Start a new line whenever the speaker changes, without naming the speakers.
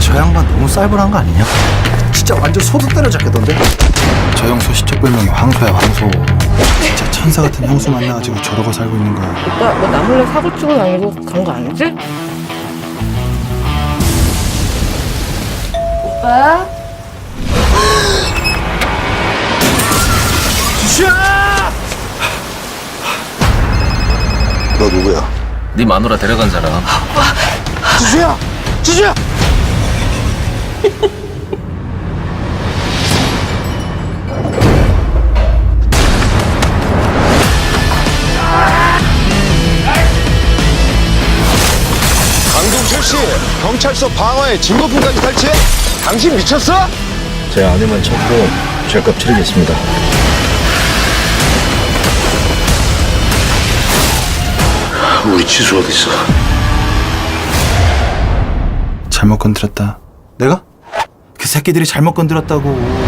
저 양반 너무 쌀벌한 거 아니냐? 진짜 완전 소득 때려잡겠던데? 저 형수 시적 별명이 황소야, 황소. 진짜 천사 같은 형수 만나가지고 저러고 살고 있는 거야.
오빠 너 나 몰래 사고 치고 다니고 간 거 아니지? 오빠?
지수야!
너 누구야?
네 마누라 데려간 사람.
지수야! 지수야!
강동철 씨, 경찰서 방화에 증거품까지 탈취해? 당신 미쳤어?
제 아내만 찾고 죄값 치르겠습니다.
우리 지수 어디 있어?
잘못 건드렸다. 내가? 그 새끼들이 잘못 건드렸다고.